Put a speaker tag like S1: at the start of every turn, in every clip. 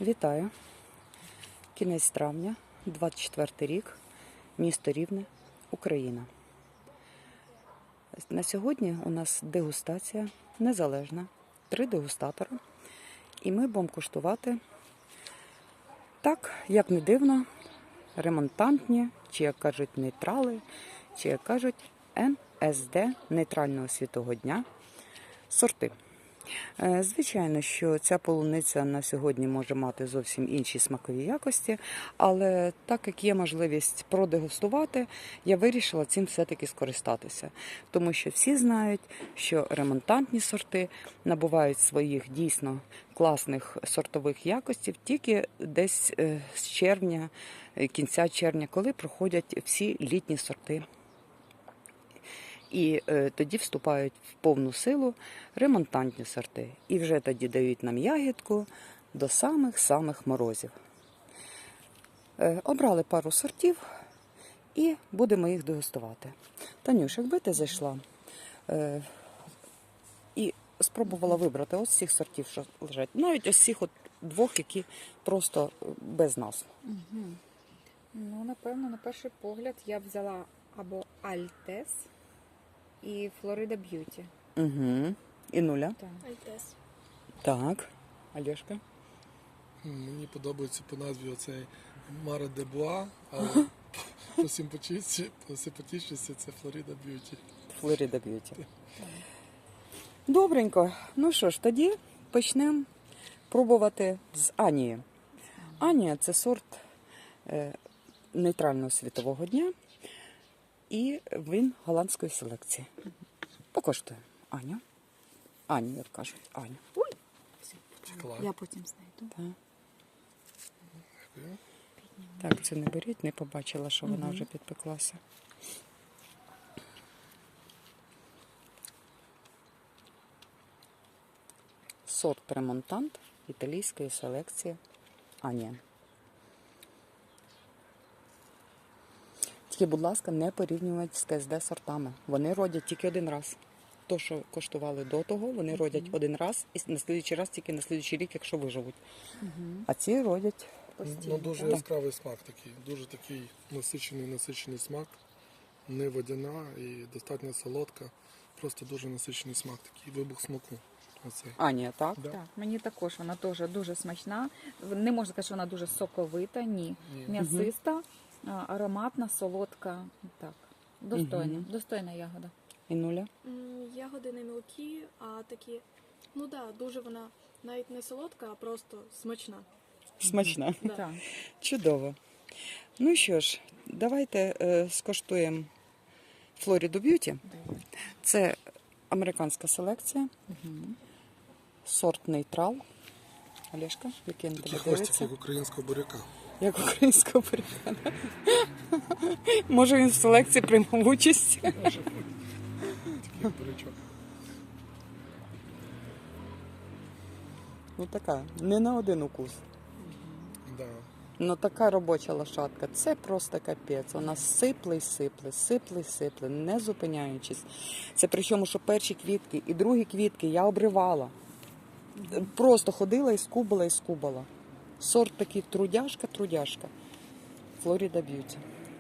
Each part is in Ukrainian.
S1: Вітаю! Кінець травня, 24 рік, місто Рівне, Україна. На сьогодні у нас дегустація незалежна, 3 дегустатори. І ми будемо куштувати, так, як не дивно, ремонтантні, чи як кажуть нейтрали, чи як кажуть НСД, нейтрального світового дня, сорти. Звичайно, що ця полуниця на сьогодні може мати зовсім інші смакові якості, але так як є можливість продегустувати, я вирішила цим все-таки скористатися. Тому що всі знають, що ремонтантні сорти набувають своїх дійсно класних сортових якостей тільки десь з червня, кінця червня, коли проходять всі літні сорти. І тоді вступають в повну силу ремонтантні сорти. І вже тоді дають нам ягідку до самих-самих морозів. Обрали пару сортів і будемо їх дегустувати. Танюш, якби ти зайшла і спробувала вибрати ось цих сортів, що лежать, навіть ось цих от двох, які просто без назв.
S2: Угу. Ну, напевно, на перший погляд я б взяла або Альтес і Флорида Б'юті.
S1: Угу. І нуля?
S2: Так.
S3: Альтес.
S1: Так. Альошка?
S4: Мені подобається по назві оцей Маре де Буа, але по симпатичності це Флорида Б'юті.
S1: Флорида Б'юті. Добренько. Ну що ж, тоді почнемо пробувати з Анії. Анія – це сорт нейтрального світового дня. І він голландської селекції. Покоштуємо. Аню. Аню, як кажуть. Аню.
S2: Ой!
S4: Втекла.
S2: Я потім знайду.
S1: Так.
S4: Дякую.
S1: Так, це не беріть, не побачила, що вона вже підпеклася. Сорт ремонтант італійської селекції Анія. Тільки, будь ласка, не порівнювати з КСД сортами. Вони родять тільки один раз. То, що коштували до того, вони родять один раз і на слідуючий раз тільки на слідуючий рік, якщо виживуть. А ці родять
S4: Ну, дуже яскравий смак такий, дуже такий насичений смак, не водяна і достатньо солодка, просто дуже насичений смак, такий вибух смаку. Оцей.
S1: Анія, так?
S4: Да.
S2: Так, мені також вона теж дуже смачна. Не можна сказати, що вона дуже соковита, ні. М'ясиста, ароматна, солодка. Так, достойна. Достойна ягода.
S1: І нуля?
S3: Ягоди не мілкі, а такі, ну да, дуже вона навіть не солодка, а просто смачна.
S1: Смачна.
S3: Да.
S2: Так.
S1: Чудово. Ну що ж, давайте скоштуємо Флориду Б'юті. Це американська селекція. Сорт нейтрал. Олешка, який на
S4: Такий
S1: тебе
S4: хвостик,
S1: дивиться?
S4: як українського буряка.
S1: Як українського буряка. Може він в селекції приймав участь?
S4: Такий бурячок.
S1: Ну така, не на один укус.
S4: Да.
S1: Ну така робоча лошадка, це просто капець. Вона сипле й сипле, не зупиняючись. Це причому, що перші квітки і другі квітки я обривала. Просто ходила і скубала. Сорт такий трудяшка. Флорида Б'юті.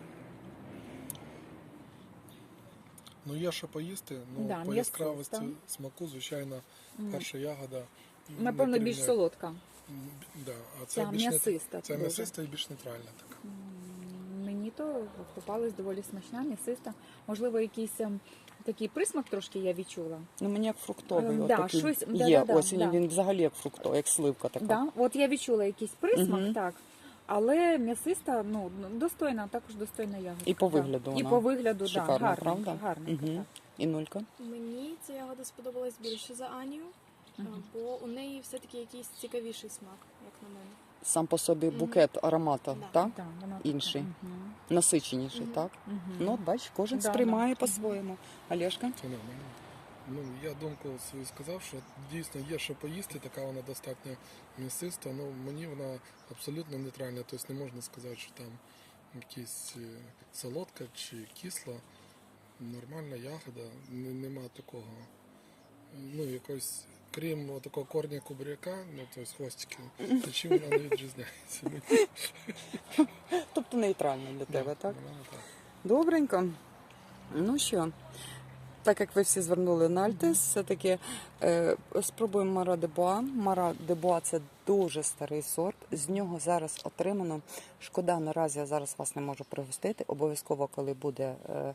S4: Ну, є що поїсти, ну,
S2: Да,
S4: по
S2: м'ясиста.
S4: яскравості смаку, звичайно, перша ягода.
S2: Напевно,
S4: не
S2: більш
S4: порівняє-
S2: солодка.
S4: Да, а це
S2: Ця
S4: більш
S2: м'ясиста
S4: Це
S2: дуже.
S4: м'ясиста і більш нейтральна така.
S2: Мені то попалась доволі смачна, м'ясиста. Можливо, якийсь такий присмак трошки я відчула.
S1: Ну мені як фруктовий.
S2: Да,
S1: отакий
S2: щось-
S1: є.
S2: да,
S1: Ось
S2: да.
S1: він взагалі як фруктовий, як сливка така.
S2: Да, от я відчула якийсь присмак,
S1: Мгм.
S2: так. Але м'ясиста, ну, достойна, також достойна ягода.
S1: І по
S2: Так.
S1: вигляду
S2: І
S1: вона
S2: по вигляду, так,
S1: шикарна,
S2: гарненька,
S1: правда?
S2: гарненька,
S1: Угу.
S2: так.
S1: І нулька?
S3: Мені ця ягода сподобалась більше за Анію, бо у неї все-таки якийсь цікавіший смак, як на мене.
S1: Сам по собі букет аромату,
S3: Да.
S1: так?
S2: Так, вона
S1: Інший.
S2: Мгм.
S1: Насиченіший, так?
S2: Мгм.
S1: Ну, от бач, кожен
S2: Да,
S1: сприймає
S2: да.
S1: по-своєму. Олешка?
S4: Це нормально. Ну, я думку свою сказав, що дійсно є що поїсти, така вона достатньо м'ясиста, ну мені вона абсолютно нейтральна, тобто не можна сказати, що там якась солодка чи кисла. Нормальна ягода, нема такого, ну якось крім такого корня кубряка, ну тобто хвостики, то чим вона не відрізняється?
S1: Тобто нейтрально для тебе, так?
S4: Вона так.
S1: Добренько. Ну що, так як ви всі звернули на Альтес, все-таки спробуємо Мара де Боа. Мара де Боа – це дуже старий сорт. З нього зараз отримано. Шкода, наразі я зараз вас не можу пригостити. Обов'язково, коли буде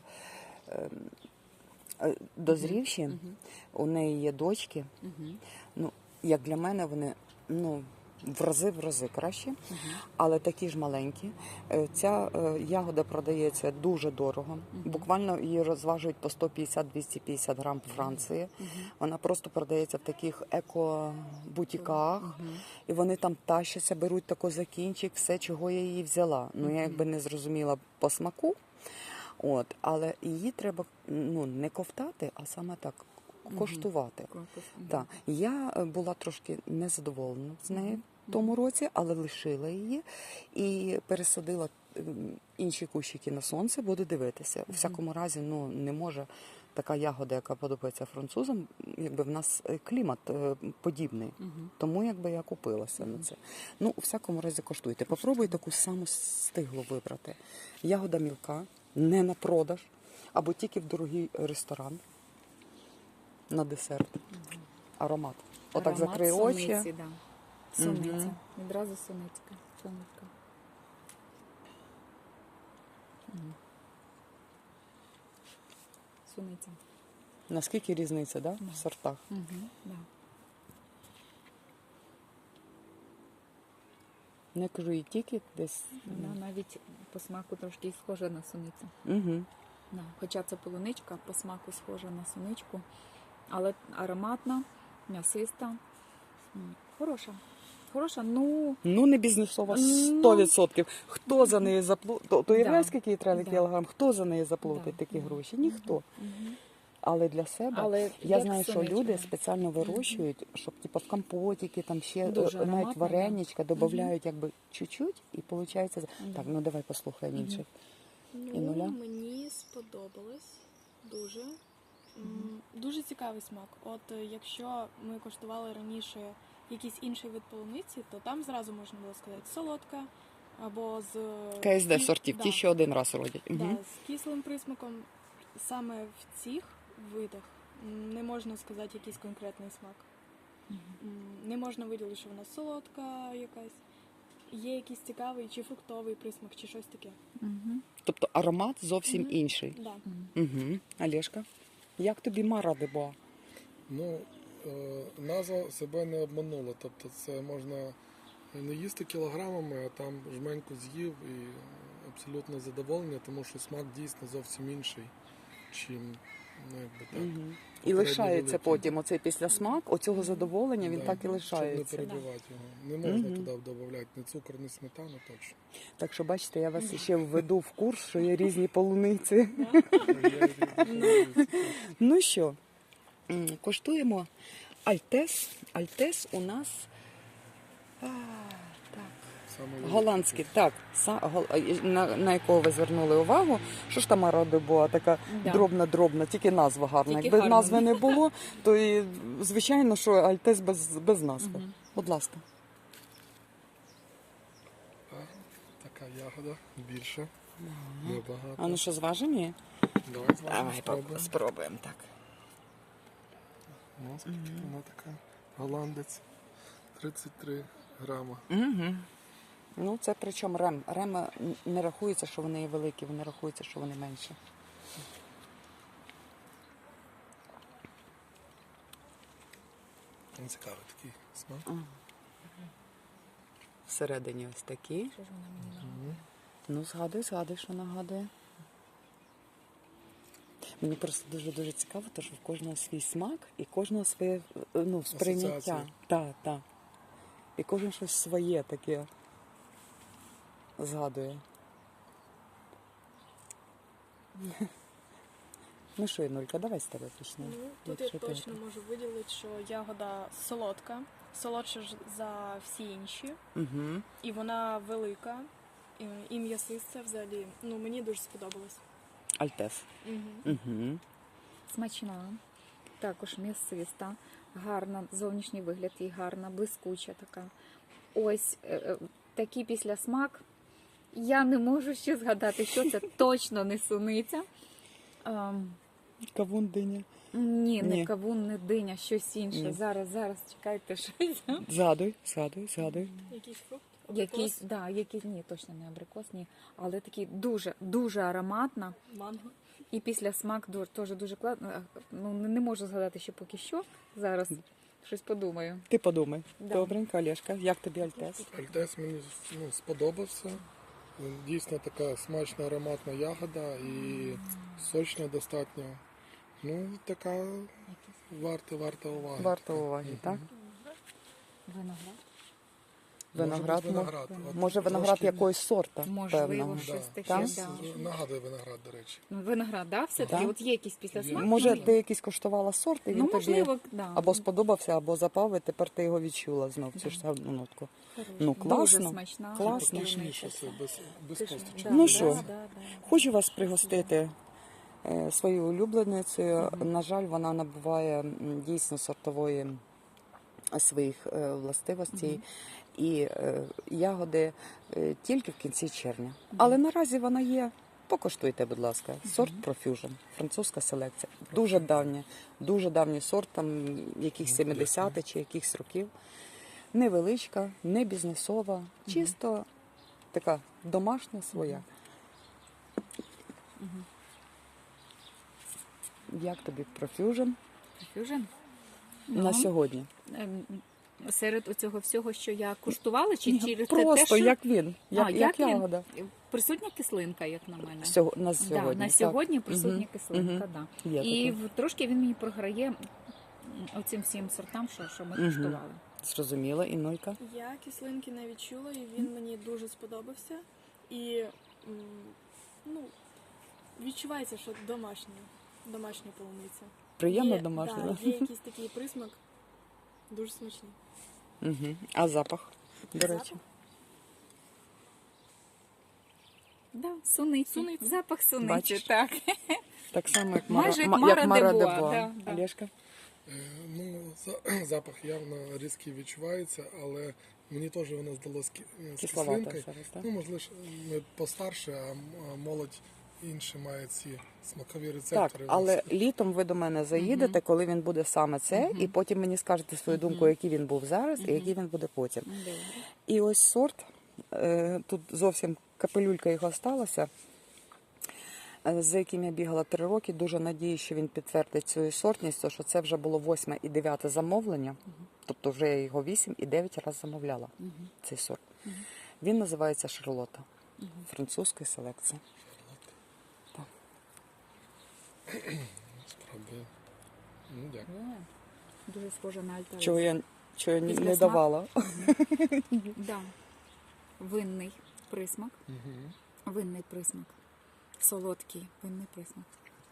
S1: дозрівші, у неї є дочки. Ну, як для мене, вони в рази кращі, але такі ж маленькі. Ця ягода продається дуже дорого. Буквально її розважують по 150-250 грам в Франції. Вона просто продається в таких еко-бутіках, і вони там тащаться, беруть тако за кінчик, все, чого я її взяла. Ну, я якби не зрозуміла по смаку, але її треба не ковтати, а саме так коштувати. Так. Я була трошки незадоволена з нею в тому році, але лишила її і пересадила інші кущики на сонце, буду дивитися. У всякому разі, не може така ягода, яка подобається французам, якби в нас клімат подібний. Тому якби я купилася на це. Ну, у всякому разі коштуйте. Попробуй таку саму стиглу вибрати. Ягода мілка, не на продаж, або тільки в дорогий ресторан. На десерт. Аромат. Отак
S2: Аромат
S1: закрий очі.
S2: суниці, да. Суниця. Відразу суницька. Сонечка. Суниця.
S1: Наскільки різниця, да? В сортах?
S2: Да.
S1: Не кажу, і тільки десь.
S2: Вона навіть по смаку трошки схожа на суницю.
S1: Угу.
S2: Да. Хоча це полуничка, по смаку схожа на суничку, але ароматна, м'ясиста. Хороша. Хороша,
S1: Не бізнесова 100%. Хто за неї заплатить? То
S2: Да.
S1: скільки їй треба
S2: Да.
S1: кілограм? Хто за неї заплатить
S2: Да.
S1: такі гроші? Ніхто. Але для себе,
S2: Але
S1: я
S2: як
S1: знаю, що
S2: сонечко.
S1: люди спеціально вирощують, щоб типу, в компотики, там ще
S2: Дуже
S1: навіть
S2: ароматно,
S1: вареничка додають якби чуть-чуть, і виходить. Так, давай послухаємо інших. І нуля?
S3: Мені сподобалось дуже. Дуже цікавий смак. От якщо ми коштували раніше якийсь інший вид полуниці, то там зразу можна було сказати солодка або з
S1: КСД сортів,
S3: Да.
S1: ті, що один раз родять.
S3: Да,
S1: Угу.
S3: з кислим присмаком. Саме в цих видах не можна сказати якийсь конкретний смак. Не можна виділити, що вона солодка якась. Є якийсь цікавий чи фруктовий присмак, чи щось таке.
S1: Тобто аромат зовсім інший.
S3: Да.
S1: Угу. Олешка, як тобі Мара де Боа?
S4: Ну, назва себе не обманула. Тобто це можна не їсти кілограмами, а там жменьку з'їв і абсолютно задоволення, тому що смак дійсно зовсім інший, чим якби так.
S1: І лишається
S4: великий.
S1: потім оцей післясмак, оцього задоволення, він
S4: Да,
S1: так і лишається.
S4: Щоб не перебивати його. Не можна туди додавати ні цукор, ні сметану точно.
S1: Так що, бачите, я вас ще введу в курс, що є різні полуниці. Ну що, коштуємо Альтес. Альтес у нас
S4: Саме великий.
S1: голландський, так, на якого ви звернули увагу. Що ж там Мара де Боа така
S2: Да.
S1: дробна, тільки назва гарна.
S2: Тільки
S1: Якби
S2: гарна.
S1: назви не було, то і звичайно, що Альтес без назви. Будь ласка.
S4: Така ягода більша, небагато.
S1: А ну що, зважимо її?
S4: Давай з вами
S1: Давай
S4: спробуємо.
S1: спробуємо так.
S4: Ну, скільки вона така? Голландець. 33 грама.
S1: Угу. Ну, це причому рем. Рема не рахується, що вони є великі, вони рахуються, що вони менші.
S4: Цікавий такий смак.
S1: Всередині ось такі.
S2: Що ж вона мені нагадує?
S1: Ну, згадуй, що нагадує. Мені просто дуже цікаво, тому що в кожного свій смак і кожного своє сприйняття.
S4: Асоціації.
S1: Так. І кожен щось своє таке згадує. Ну що, Інулька, давай з тебе почнемо.
S3: Ну, тут я точно можу виділити, що ягода солодка, солодша ж за всі інші,
S1: Угу.
S3: і вона велика, і м'ясиста взагалі. Ну, мені дуже сподобалось.
S1: Альтес.
S3: Угу.
S1: Угу.
S2: Смачна. також м'ясиста, гарна, зовнішній вигляд їй гарна, блискуча така. Ось такий післясмак. Я не можу ще згадати, що це точно не суниця.
S1: Кавун, диня.
S2: Ні, не
S1: Ні.
S2: кавун, не диня, щось інше.
S1: Ні.
S2: Зараз, чекайте, щось.
S1: Згадуй.
S3: Якийсь фрукт?
S2: Якийсь, да, якийсь, ні, точно не абрикос, ні. Але такий дуже, дуже ароматна.
S3: Манго.
S2: І після смак теж дуже класно. Ну, не можу згадати ще поки що. Зараз щось подумаю.
S1: Ти подумай.
S2: Да.
S1: Добренько, Олешка, як тобі Альтес?
S4: Альтес мені сподобався. Дійсно така смачна ароматна ягода і сочна достатньо. Ну, така варта уваги.
S1: Варто уваги, так?
S2: Виноград.
S1: Виноград,
S4: Може бути виноград. От
S1: може виноград
S4: трошки-
S1: якогось сорта,
S2: Можливо,
S1: певного.
S2: щось таке,
S1: Так?
S2: да.
S4: Нагадує виноград, до речі.
S2: Ну, виноград, да, все-таки?
S1: Так.
S2: От є якийсь післясмак?
S1: Може,
S2: Ну,
S1: ти якийсь коштувала сорт, і він
S2: ну,
S1: тобі
S2: можливо, да.
S1: або сподобався, або запав, і тепер ти його відчула знов, цю ж саму нотку. Ну,
S2: Дуже
S1: класно.
S2: смачна.
S1: Класно.
S4: Пишніше все, без косточок.
S2: Да,
S1: Ну
S2: да,
S1: що?
S2: да, да.
S1: Хочу вас пригостити своєю улюбленицею. На жаль, вона набуває дійсно сортової своїх властивостей. І ягоди тільки в кінці червня. Але наразі вона є. Покуштуйте, будь ласка. Сорт Profusion, французька селекція. Дуже давній сорт, там якихось 70-х чи якихось років. Невеличка, не бізнесова, чисто така домашня своя. Як тобі Profusion
S2: Fusion?
S1: на сьогодні?
S2: Серед оцього всього, що я куштувала, чи через
S1: Просто
S2: те, що
S1: як він, як
S2: як він?
S1: ягода.
S2: Присутня кислинка, як на мене.
S1: На сьогодні.
S2: на
S1: так.
S2: сьогодні присутня
S1: Мгм.
S2: кислинка,
S1: Мгм.
S2: да.
S1: Є
S2: І
S1: таке.
S2: трошки він мені програє оцим всім сортам, що ми куштували.
S1: Зрозуміла, і Нолька.
S3: Я кислинки не відчула, і він мені дуже сподобався. І ну, відчувається, що домашня полуниця.
S1: Приємно
S3: Є-
S1: домашня.
S3: Да,
S1: Да?
S3: є якийсь такий присмак, дуже смачний.
S1: Угу. А запах, до речі.
S3: Запах?
S2: Да, суниці.
S3: Суниці.
S2: Запах суниці,
S1: Бачиш?
S2: так.
S1: Так само, як
S2: Майже як
S1: Мара
S2: Мара де
S1: де
S2: Боа,
S1: Боа.
S2: да, да.
S1: Олешка?
S4: Ну, запах явно різкий відчувається, але мені теж воно здалося з
S1: Кисловата
S4: кислинкою.
S1: зараз, так?
S4: Ну, можливо, ми постарше, а молодь інші має ці смакові
S1: Так,
S4: рецептори.
S1: але літом ви до мене заїдете, коли він буде саме це, і потім мені скажете свою думку, який він був зараз і який він буде потім.
S2: Добре.
S1: І ось сорт, тут зовсім капелюлька його сталася, за яким я бігала 3 роки. Дуже надію, що він підтвердить свою сортність, тому що це вже було 8 і 9 замовлення, тобто вже я його 8 і 9 разів замовляла, цей сорт. Він називається Шарлота, французької селекції.
S4: Спробую. Ну, дякую.
S2: Дуже схоже на альтарис.
S1: Чого я не
S2: Післясмак?
S1: давала.
S2: Да. Винний присмак. Винний присмак. Солодкий винний присмак.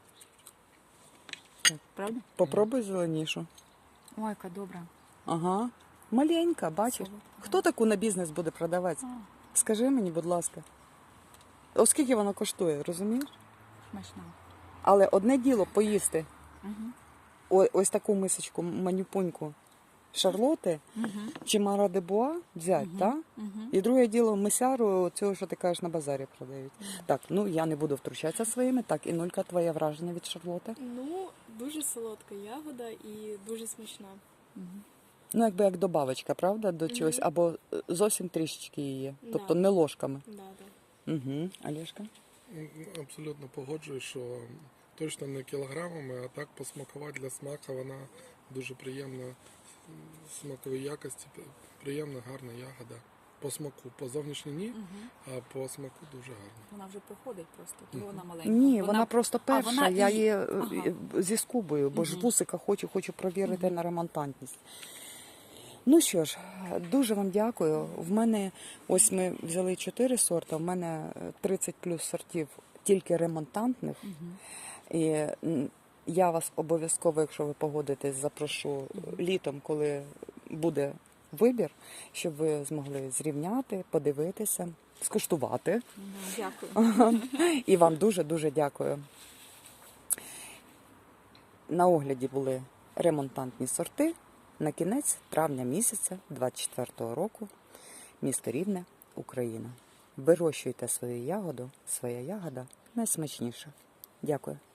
S1: Так.
S2: Правда?
S1: Попробуй зеленішу.
S2: Ой, яка добра.
S1: Ага. Маленька, бачиш?
S2: Солодка.
S1: Хто таку на бізнес буде продавати? Скажи мені, будь ласка. Оскільки вона коштує, розумієш?
S2: Смачна.
S1: Але одне діло поїсти
S2: Угу.
S1: ось таку мисочку манюпуньку Шарлоти чи Мара де Боа взяти, так? І друге діло мисяру цього, що ти кажеш, на базарі продають. Так, ну я не буду втручатися своїми. Так, і Нолька, твоє враження від Шарлоти?
S3: Ну, дуже солодка ягода і дуже смачна.
S1: Ну, якби як добавочка, правда, до чогось, або зовсім трішечки її, тобто
S3: Да.
S1: не ложками.
S3: Да, да.
S1: Угу. Олешка?
S4: Абсолютно погоджуюсь, що точно не кілограмами, а так посмакувати для смака вона дуже приємна, смакової якості, приємна, гарна ягода. По смаку, по зовнішній ні, а по смаку дуже гарно.
S2: Вона вже проходить просто, тому вона маленька.
S1: Ні, вона просто перша.
S2: вона
S1: Я
S2: і-
S1: її
S2: Ага.
S1: зі скубою, бо ж вусика хочу провірити на ремонтантність. Ну що ж, дуже вам дякую. В мене, ось ми взяли 4 сорти, в мене 30 плюс сортів тільки ремонтантних. І я вас обов'язково, якщо ви погодитесь, запрошу літом, коли буде вибір, щоб ви змогли зрівняти, подивитися, скуштувати.
S2: Да, дякую.
S1: І вам дуже-дуже дякую. На огляді були ремонтантні сорти на кінець травня місяця 24-го року, місто Рівне, Україна. Вирощуйте свою ягоду, своя ягода найсмачніша. Дякую.